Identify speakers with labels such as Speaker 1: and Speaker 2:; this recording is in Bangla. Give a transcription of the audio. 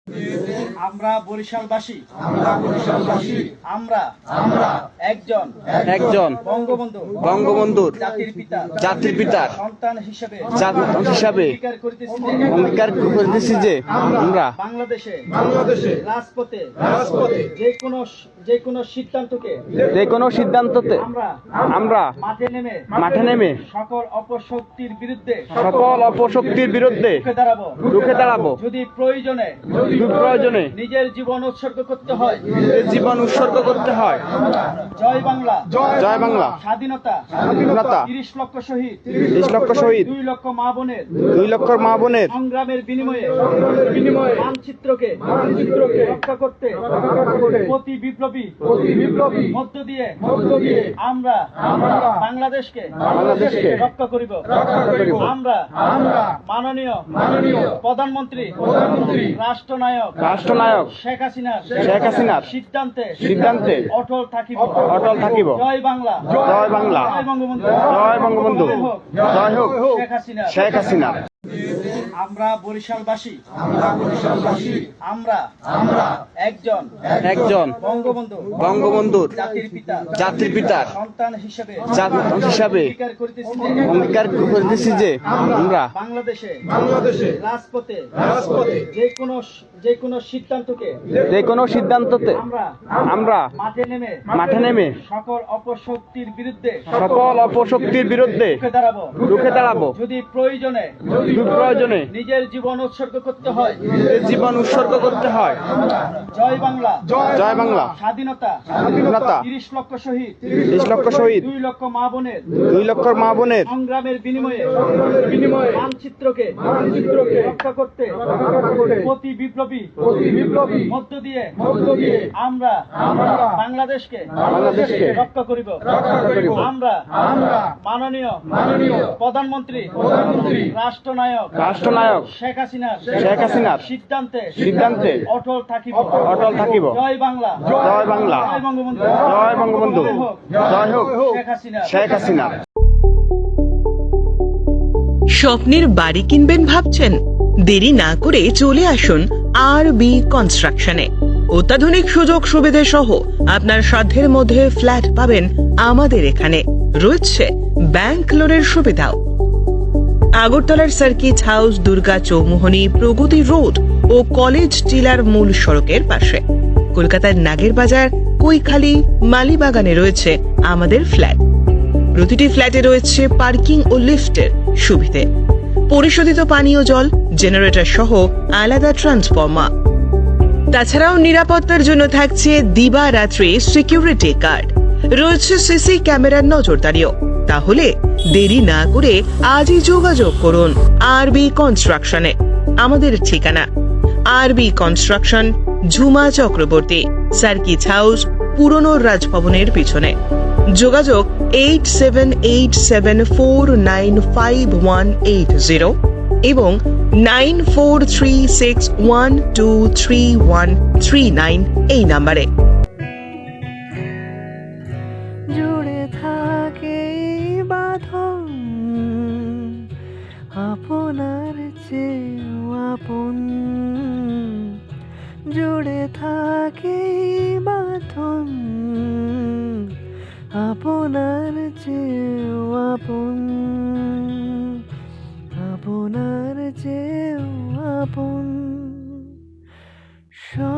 Speaker 1: আমরা বরিশালবাসী আমরা একজন
Speaker 2: বঙ্গবন্ধুর
Speaker 1: জাতির পিতার
Speaker 2: সন্তান হিসেবে
Speaker 1: অঙ্গীকার
Speaker 2: করিতেছি যে আমরা
Speaker 1: বাংলাদেশে রাজপথে যে কোনো সিদ্ধান্তকে
Speaker 2: আমরা
Speaker 1: মাঠে নেমে সকল অপশক্তির বিরুদ্ধে
Speaker 2: রুখে দাঁড়াবো
Speaker 1: যদি প্রয়োজনে নিজের জীবন উৎসর্গ করতে হয় জয় বাংলা স্বাধীনতা 30 লক্ষ শহীদ 2 লক্ষ মা বোনের সংগ্রামের বিনিময়ে মানচিত্রকে রক্ষা করতে প্রতি বিপ্লবী মধ্য দিয়ে আমরা বাংলাদেশকে রক্ষা করিব। আমরা মাননীয় প্রধানমন্ত্রী রাষ্ট্রনায়ক শেখ হাসিনার সিদ্ধান্তে অটল থাকিব। জয় বাংলা জয় বঙ্গবন্ধু
Speaker 2: জয় হোক
Speaker 1: শেখ হাসিনা। আমরা বরিশালবাসী আমরা একজন
Speaker 2: বঙ্গবন্ধুর
Speaker 1: জাতির পিতার সন্তান হিসেবে
Speaker 2: অঙ্গীকার করিতেছি যে আমরা
Speaker 1: বাংলাদেশে রাজপথে যে কোনো সিদ্ধান্তকে
Speaker 2: আমরা
Speaker 1: মাঠে নেমে সকল অপশক্তির বিরুদ্ধে
Speaker 2: রুখে দাঁড়াবো
Speaker 1: যদি প্রয়োজনে নিজের জীবন উৎসর্গ করতে হয় জয় বাংলা স্বাধীনতা 30 লক্ষ শহীদ 2 লক্ষ মা বোনের সংগ্রামের বিনিময়ে মানচিত্রকে রক্ষা করতে প্রতি বিপ্লবী মধ্য দিয়ে আমরা বাংলাদেশকে রক্ষা করিব। আমরা মাননীয় প্রধানমন্ত্রী রাষ্ট্রনায়ক শেখ হাসিনার সিদ্ধান্তে অটল থাকিব। জয় বাংলা জয় বঙ্গবন্ধু
Speaker 2: জয় হোক
Speaker 1: শেখ হাসিনা।
Speaker 3: স্বপ্নের বাড়ি কিনবেন ভাবছেন? দেরি না করে চলে আসুন আরবি কনস্ট্রাকশনে। অত্যাধুনিক সুযোগ সুবিধে সহ আপনার সাধ্যের মধ্যে ফ্ল্যাট পাবেন আমাদের এখানে। রয়েছে ব্যাংক লোনের সুবিধাও। আগরতলার সার্কিট হাউস, দুর্গা চৌমুহনী, প্রগতি রোড ও কলেজ টিলার মূল সড়কের পাশে। কলকাতার নাগের বাজার, কৈখালি, মালিবাগানে রয়েছে আমাদের ফ্ল্যাট। প্রতিটি ফ্ল্যাটে রয়েছে পার্কিং ও লিফটের সুবিধে, পরিশোধিত পানীয় জল, জেনারেটর সহ আলাদা ট্রান্সফরমার। তাছাড়াও নিরাপত্তার জন্য থাকছে দিবারাত্রি সিকিউরিটি গার্ড। রয়েছে সিসি ক্যামেরার নজরদারিও। তাহলে দেরি না করে আজই যোগাযোগ করুন আরবি কনস্ট্রাকশনে। আমাদের ঠিকানা R B construction, Jhuma Chakraborty, circuit house, পুরনো রাজভবনের পিছনে। যোগাযোগ 8787495180 এবং 9436123139 এই নাম্বারে।
Speaker 4: জুড়ে থাকে বাঁধন আপনার চেয়েও আপন, জুড়ে থাকে বাঁধন আপনার চেয়েও আপন, আপনার চেয়েও আপন।